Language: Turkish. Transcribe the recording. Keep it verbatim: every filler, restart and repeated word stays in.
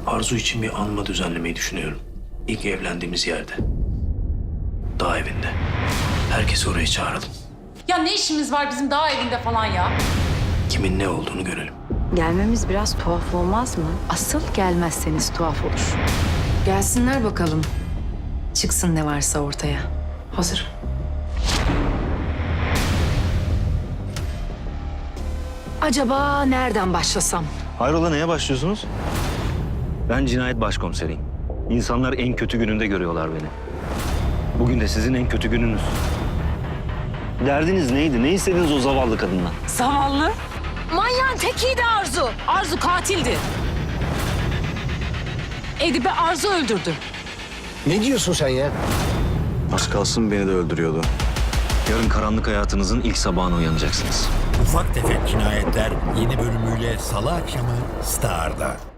Arzu için bir anma düzenlemeyi düşünüyorum. İlk evlendiğimiz yerde. Dağ evinde. Herkesi oraya çağıralım. Ya ne işimiz var bizim dağ evinde falan ya? Kimin ne olduğunu görelim. Gelmemiz biraz tuhaf olmaz mı? Asıl gelmezseniz tuhaf olur. Gelsinler bakalım. Çıksın ne varsa ortaya. Hazır. Acaba nereden başlasam? Hayrola, neye başlıyorsunuz? Ben cinayet başkomiseriyim. İnsanlar en kötü gününde görüyorlar beni. Bugün de sizin en kötü gününüz. Derdiniz neydi? Ne istediniz o zavallı kadından? Zavallı. Manyağın tekiydi Arzu. Arzu katildi. Edip'i Arzu öldürdü. Ne diyorsun sen ya? Az kalsın beni de öldürüyordu. Yarın karanlık hayatınızın ilk sabahına uyanacaksınız. Ufak Tefek Cinayetler yeni bölümüyle Salı akşamı Star'da.